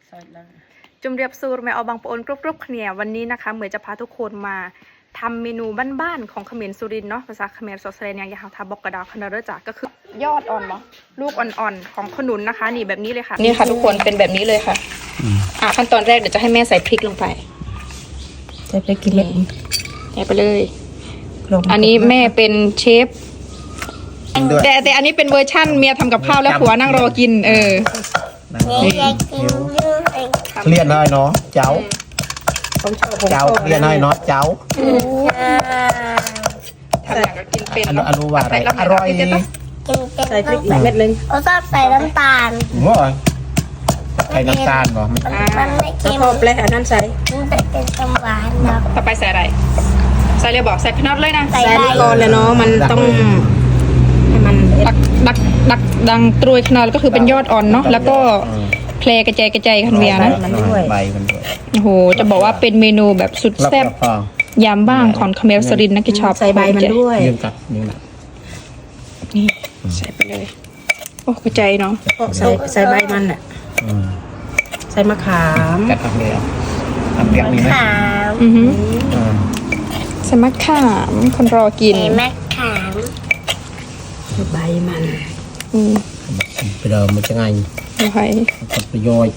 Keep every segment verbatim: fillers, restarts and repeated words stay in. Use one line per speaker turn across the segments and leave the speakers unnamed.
จุ่มเรียบสูรแม่เอาบางปอนกรุบๆเนี่ยวันนี้นะคะเหมือนจะพาทุกคนมาทำเมนูบ้านๆของเขมรสุรินทร์เนาะภาษาเขมรสดเสนอย่างยาวทาบอกกระดาษคณะเรจ่าก็คือยอดอ่อนเนาะลูกอ่อนๆของขนุนนะคะนี่แบบนี้เลยค่ะนี่ค่ะทุกคนเป็นแบบนี้เลยค่ะอ่าขั้นตอนแรกเดี๋ยวจะให้แม่ใส่พริกลงไป
ใส่พริกกี่เม็ด
ใส่ไปเลยอันนี้แม่เป็นเชฟแต่แต่อันนี้เป็นเวอร์ชั่นเมียทำกับข้าวแล้วผัวนั่งรอกินเออ
เรียนได้เนาะเจ้าเจ้าเรียนได้เนาะเจ้า
ทำอย่างก็กินเป็น
อนุว่าอะไรอร่อย
ใส่พริกเม็ดนึง
เราชอบใส่น้ำตาล
ง้อใส่น้ำตาลเหรอมัน
ไม่เค็ม
พอแปลอันนั้นใส่
มันเป็นสมหวานนะ
ต่อไปใส่อะไรใส่เลยบอกใส่พนัทเลยนะ
ใส่
ก่อนเลยเนาะมันต้องให้มัน
ดักดักดักดังตรวยขนาดก็คือเป็นยอดอ่อนเนาะแล้วก็แพลกระจายกระจายคันเวียนะ
ใบมันด้วย
โอ้โหจะบอกว่าเป็นเมนูแบบสุดแซ่บยามบ้างของเขมรสุรินทร์นะที่ชอบ
ใส่ใบมันด้วย
ยืนกับนี่นะ
นี่ใส่ไปเลยโอ้กระจายเนาะ
ใส่ใส่ใบมันอ่ะใส่มะขาม
กัดทำเดียวทำเปียกมีไหม
อือหือใส่มะขามคนรอกิน
ใส่มะขาม
ใบมัน
อืม
ไปเดิมมันจะไง
โอเค
ผลประโยชน์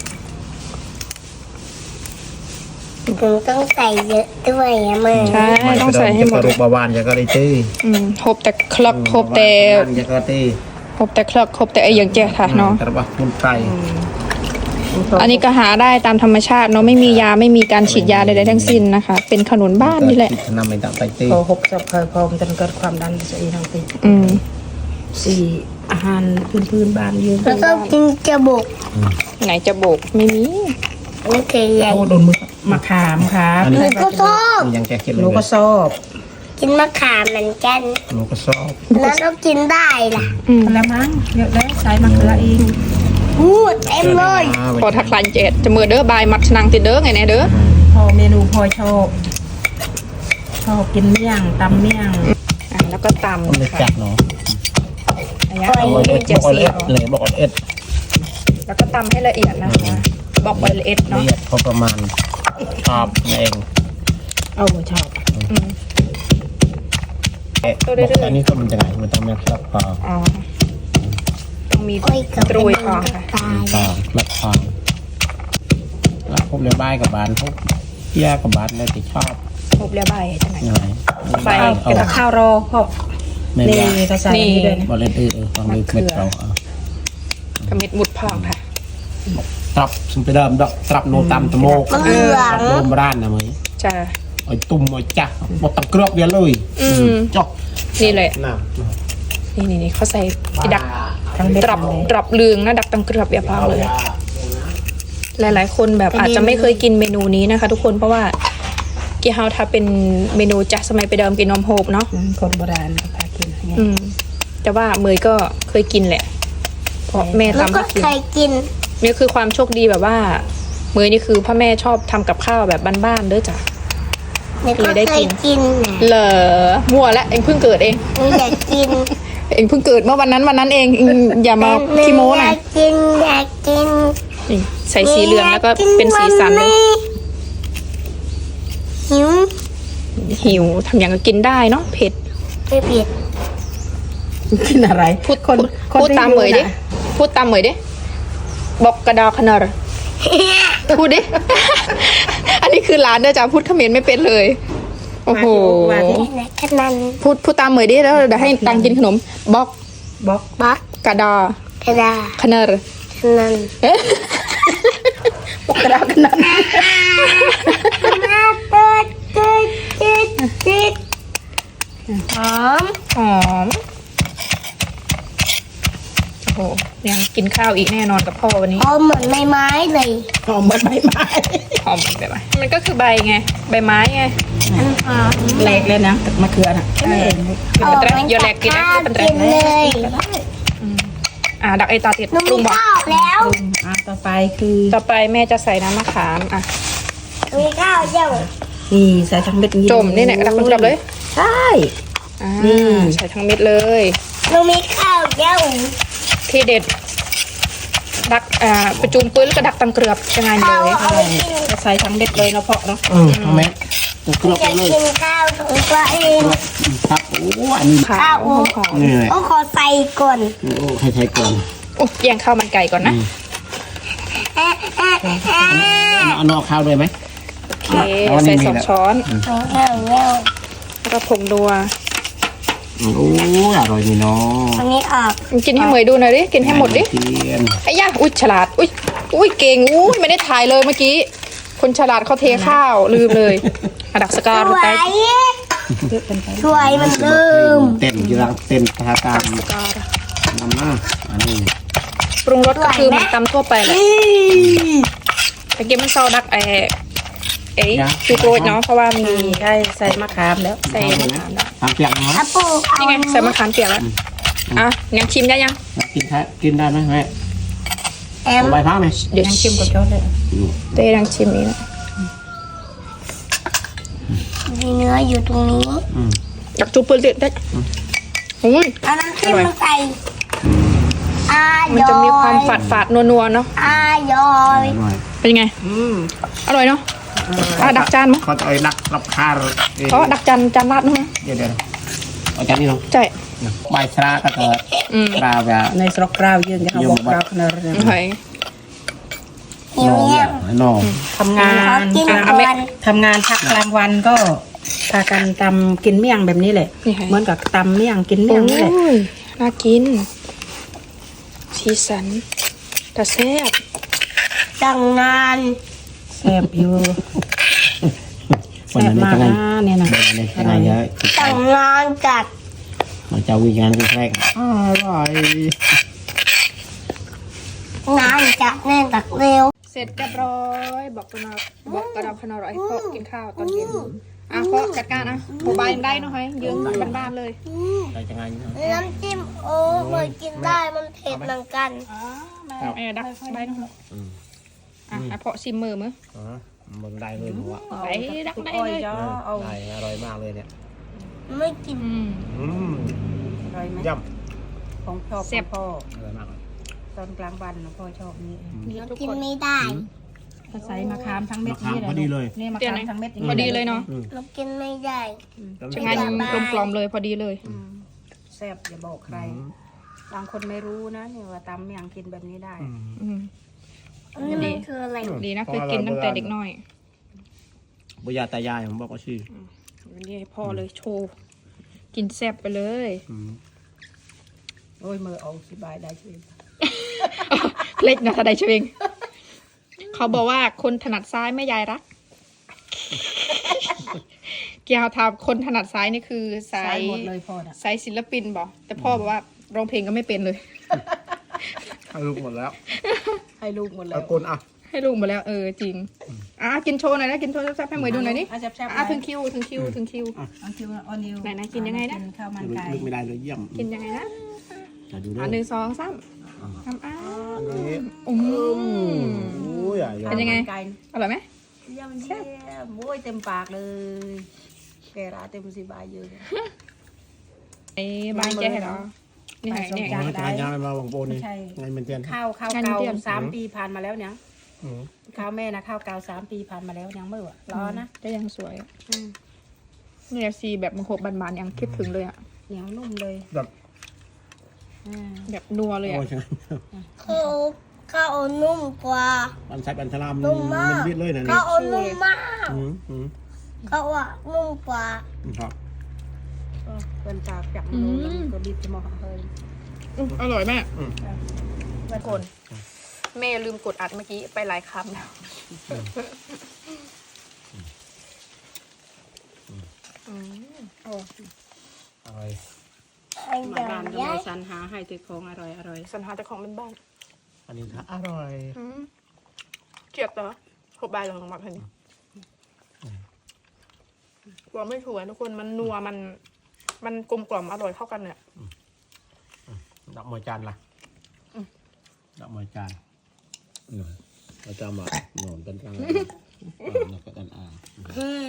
ผมต้องใส่เยอะด้วยอะมึง
ใช่ต้องใส่ให้หมด
รูปบานจะก็ได้ตี
อืมครบแต่คลักครบแต่
จะก็ตี
ครบแต่คลักครบแต่ไออย่างเจ้าค่ะเนาะ
แต่ว่ามุนไก่
อันนี้ก็หาได้ตามธรรมชาติเนาะไม่มียาไม่มีการฉีดยาใดๆทั้งสิ้นนะคะเป็นขนุนบ้านนี่แหละ
นำไปตัดไปตี
พอหกจับเคยพอมันจะเกิดความดันจะอีทางตี
อืม
สี่อาหารพื้นพื้นบ้านยืน
แล้วก็กินจะบุก
ไหนจะโบกไม่มี
โอเคใหญ่
โอ้โดนมือมะขามครับ
หนูก็ชอบ
ยังแกกิน
หนูก็ชอบ
กินมะขามเหมือนกัน
หนูก็ชอบ
แล้วเรากินได้ล่ะ
แล้วมั้งเยอะแล้วใส่มะเขือเอง
พูดเต็มเลย
พอทักลันเจ็ดจะมือเด้อบายมัดนังติดเด้อไงเนี่ยเด้อ
พอเมนูพอชอบชอบกินเมี่ยงตำเมี่ยง
อ่ะแล้วก็ตำ
เลยจัดเนาะ
อันนี้เจ็ดสี
เลยบอกเอ็ด
แล้วก็ตำให้ละเอียดนะคะบอกว่าละเอียดเนาะละเอียด
พอประมาณชอบเอง
เอาชอบ
ตัวเรื่อย
ๆอันนี้ก็มันจะไงมันต้องมีคลับพอ
อ๋อต้องมีตรุยพอค่ะ
ต่อคลับพอแล้วพวกเรือใบกับบานพวกเยี่ยกับบานเลยที่ชอบ
พวกเรือใบจังไหน
ใบกับข้าวรอพ่อนี่ก็ใส่นี่ด้วย
บอลเลนเออฟังดูเม็ดเรา
กระมิดมุดพองค่ะ
ตรับสมไปเดิมดอกตรับโนตามตะโมกโนมร้านนะมั้ย
จ้า
ไอ้ตุ่มไอ้จักหมดตังกรอบเดียวเลยจบ
นี่เลยนี่นี่นี่เขาใส่ดักตรับตรับเลืองนะดักตังกรอบแบบพองเลยหลายๆคนแบบอาจจะไม่เคยกินเมนูนี้นะคะทุกคนเพราะว่ากี่เฮาถ้าเป็นเมนูจากสมัยไปเดิมกินนมโฮบเนาะ
คนโบราณพากิน
อืมแต่ว่าเมยก็เคยกินแหละเพราะแม่ทำให้
กินเคยกิน
นี่คือความโชคดีแบบว่าเมยนี่คือพ่อแม่ชอบทำกับข้าวแบบบ้านๆเด้อจ้ะ
เลยได้กินกิน
เหรอมั่วแล้วเองเพิ่งเกิดเอง
อยากกิน
เองเพิ่งเกิดเมื่อวันนั้นวันนั้นเองอย่ามาขี้โม้นะ
อยากกินอยากกิน
ใส่สีเหลืองแล้วก็เป็นสีสันเลย
หิว
หิวทำอย่างก็กินได้เนาะเผ็ด
ไม่เผ็ด
กินอะไร
พูดคนพูดตามเหมยดิพูดตามเหมยดิบอกกระดาขนาดพูดดิอันนี้คือร้านเด้อจ้าพูดเขมรไม่เป็นเลยโอ้โหพูดพูดตามเหมยดิแล้วเดี๋ยวให้ตังกินขนมบอก
บอก
บอก
กระดาก
ระดา
ขนาด
ขนาด
บอกกระดาขนาด
หอม
หอมโอ้โหยังกินข้าวอีกแน่นอนกับพ่อวันนี้
หอมเหมือนใบไม้เลย
หอมเหมือนใบไม้
หอมเหมือนใบไม้มันก็คือใบไงใบไม้ไง
แหลกเลยนะมะเขือน่ะ
ใช่เป็นแตรโยแหลกกินนะเป็นแตร
เลย
อ่าดักไอตาติด
ปรุงบอกแล้ว
อ่าต่อไปคือ
ต่อไปแม่จะใส่น้ำมะขามอ่ะ
มีข้าวเจ้า
นี่ใส่ทั้งเม็ด
จมนี่แหละดักมันกลับเลย
ใช่
นี่ใส่ทั้งเม็ดเลย
หนูมีข้าวเจ้า
ที่เด็ดดักอ่าประจุมปื้นแล้วก็ดักตังเกลือบยังไงเลย
ใช่ใส่ทั้งเด็ดเลยเนาะเพาะเนาะ
เออทำไมจะกรอบ
อยาก
เลย
กินข้าวของตัวเอง
ครับโอ้อันนี้
ขาวหอม
นี่เลย
โอ้ขอใส่ก่อน
โอ้ใครใช้ก่อน
โอ้แยงข้าวมันไก่ก่อนนะ
เอ๊ะเอ๊ะเอ๊ะ
เอานอกข้าวด้วยไหม
โอเคใส่สองช้อน
เงี้ยวเงี้ยว
แล้วก็ผงนัว
โอ้อร่อยนี่เนาะ
อันนี้ออก
กินให้เหมยดูหน่อยดิกินให้หมดดิ
เทียน
ไอ้ย่าอุ้ยฉลาดอุ้ยอุ้ยเก่งอุ้ยไม่ได้ถ่ายเลยเมื่อกี้คนฉลาดเขาเทข้าวลืมเลยอะดักสกา
ส
ดู
ว
ไต
ยสวยเหมันเดิม
เต้นอยู่รังเต้นทาการ
สกา
ทำหน้าอันนี้
ปรุงรสก็คือเหมือนตำทั่วไปแหละแต่เกมมันเซาดักไอ้ไอ้จูโกรดเนาะเพราะว่ามี
ใช่ใส่มะขามแล้ว
ใส่มะขามแล้ว
ทำเปียกนะ
อาปูเอา
นี่ไงใส่มะขามเปียกแล้วอ่ะยังชิมได้ยัง
กินแท้กินได้ไหมแม่
แอม
ใบพักไหม
เดี๋ยว
ยัง
ชิ
ชิ
ม
มกับโจ๊กเลย
เต้ยังชิมนี่นะ
มีเนื้ออยู่ตรงนี้
อืม
อยากจูเปลือกได้อุ้ย
เอาน้ำจิ้มมาใส่อาย
มันจะมีความฝาดฝาดๆนัวๆเนาะ
อายอย
อร่อย
เป็นยังไง
อืม
อร่อยเนาะอ่ะดักจานมั้ง
เขาจะเอาดักรับคาร์
เพราะดักจานจานราดมั้ง
เดี๋ยวเดี๋ยวเอาจานนี้ลง
ใช่
ใบชราก็จะ
อืม
ปลาแบบ
ในสรกกราวยืนจะเอาบอกกราวขนาดนี้
โอเค
เหี่ยว
นอ
เหี่ยว
นอ
ทำงา
ขอน กิน
อ่ะ
ก่อน
ทำงานพักกลางวันก็พากันตำกินเมี่ยงแบบนี้แหละ
นี่ไง
เหมือนกับตำเมี่ยงกิน
โอ้
เมี่ยงนี่แหละ
ยน่ากินสีสันแต่แซ่บ
จังงาน
แซ่บอยู่
วัน
แซ่บ
นั้น
มาก
จะไง
นะเนี่ยนะ
วันนั้นจะไงเยอะ
จังงานจัด
เราจะวิ่งงานกันแรกอร่อย
งานจัดแน่นตักเร็ว
เสร็จเรียบร้อยบอกกระนาวบอกกระดาวขนาวให้พ่อกินข้าวตอนเย็นอ่ะพ่อจัดการอ่ะโมบายได้เนอะเฮ้ยยืมบ้านๆเลย
เราจะไง
น้ำจิ้มโอ้มันกินได้มันเผ็ดเหมือนกัน
เออดักใบเนอะอ่ะให้พ่อชิมมือมั้ย
อ๋อมึงได้เลยหนูอ่ะ
ไปดักได้
อ้อย
เลย
จ้อเอา
ได้อร่อยมากเลยเนี่ย
ไม่กิน
อืม
อืม
อร่อยไหม
ย่
ของชอบ
แซ่บ
พ่อ
ำอร่อยมาก
ตอนกลางวันนะพ่อชอบนี้
นี่ทุก
กิน
คน
ไม่ได้
ถ้าใส่มะขามทั้งเม็ด
มะขาม
นี่แหละ
พอดีเลย
นี่มะ
เดี๋ยว
ขาม
นะ
ทั้งเม็ด
พอดีเลยเนาะ
เรากินไม่ได้
จะงานกลมๆเลยพอดีเลย
อืมแซ่บอย่าบอกใคร บางคนไม่รู้นะเนี่ยว่าตำเมี่ยงกินแบบนี้ได้
อืม
อันนี้มันคืออะไร
ดีนะเคยกินตั้งแต่เด็กน้อย
บุญญาตายายผมบอกว่าชื่อ
วันนี้ให้พ่อเลยโชว์กินแซ่บไปเลย
โอ้ยมือเอาสิบายได้ช่วย
เล็กนะทนายเชงเขาบอกว่าคนถนัดซ้ายไม่ยายรัก เกี่ยวทำคนถนัดซ้ายนี่คือสา
ใส่
ย
หมดเลยพ่อน่ะ
สายศิลปินบอกแต่พ่อบอกว่าร้องเพลงก็ไม่เป็นเลย
ให้ลูกหมดแล้ว
ให้ลูกหมดแล้
เอา
ว
คนอ่ะ
ให้ลูกหมาแล้วเออจริงอ่ะกินโชว์หน่อยนะกินโชว์แซ่บๆให้เหมยดูหน่อยนี่
อ่ะแซ่บๆ
อ่ะถึงคิวถึงคิวถึงคิว
เอาคิวออนิว
ไหนๆกินยังไงนะ
กิข้าวมันไก่
ลูกไม่ได้เลยเยี่ยม
กินยังไงนะ
จะดูด้ว
อ่ะ
ย
หนึ่งสองสามทำอ้า
อันนี้
อืม
โอ้ยอ่ะ
เป็นยังไง
ไก่
อร่อยไหม
เยี่ยมเยี่ยมโอ้ยเต็มปากเลย แกราเต็มสิบายเยอะ
ไอ้บายแกเหรอนี่ไงเนี่ย
โอ้ยตายยายมาวังโปนี่ไงมันเจน
ข้าวข้าว
งาน
เก่า
เตรียม
สามปีผ่านมาแล้วเนี่ย
อืม
ข้าวแม่นะข้าวเก่าสามปีผ่านมาแล้วยังไม่หวะรอนะ
ก็ยังสวยเนี่ยซีแบบมันโหบบานๆยังคิดถึงเลยอ่ะ
เหนียวนุ่มเลย
แบบ
อ่า
แบบนัวเลย
โอ้
อ่ะ
ยใช่ไหม
ข้าวข้าวนุ่มกว่า
มันใช้บันทลาม
นุ่มมาก
มันวิดเลยนะนี่
ข้าวนุ่มมาก
อืมอืม
ข้าวอ่ะนุ่มกว่า
ครับ
ก็เป็นจากจับมือแล้วก็บีบจะมองเฮ้ย
อื้ออร่อยแม่
อืม
ทุกคนแม่ลืมกดอัดเมื่อกี้ไปหลายคำแล้วอืมโอ้
อร่อย
ไอ้
มา
เดี๋ยว
บ้านก็
ย้า
เลย ยสรรหาให้ติดของอร่อยอร่อย
สัญหาแต่ของเป็นบ้าน
อันนี้ค่ะอร่อย
อืมเจ็บเหรอหกใบลงมาพันนี้กลัวไม่ถูกทุกคนมันนัวมันมันกลมกล่อมอร่อยเข้ากันเนี่ย
ดอกมวยจานล่ะดอกมวยจานหน่อยเราจะมาหนอนเป็นกลางแล้วก็กันอ่าง
อืม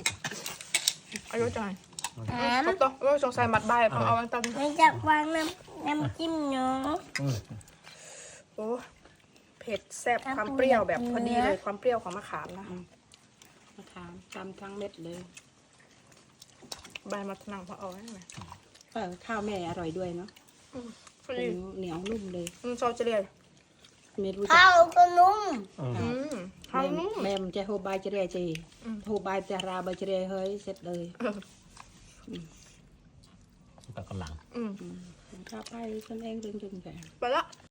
อายุจังไงครบตัวเออสงสัยมัดใบเอาเอาตั้ง
ไม่จะวางน้น้ำจิ้มเนาะ
อืม
โอ้เผ็ดแซ่บความเปรี้ยวแบบพอดีเลยความเปรี้ยวของมะขามนะ
มะขามตำทั้งเม็ดเลย
ใบมะนาวพอเอาไว้ไหม
เออข้าวแม่อร่อยด้วยเนาะ
พอดี
เหนียวนุ่มเลย
อืมซอสจะเรียน
ไม่รู้จั
ข้าก วก็นุ่ม
อืม
อืมข้าวนุ่ม
แม่มันจะโฮบายจะเรียจี
อืม
โฮบายจะราบายจะเรียเฮ้ยเสร็จเลย
ตะกะหลัง
อืม
ข้าวไปคนเองเรื่องจนแก่
ไปละ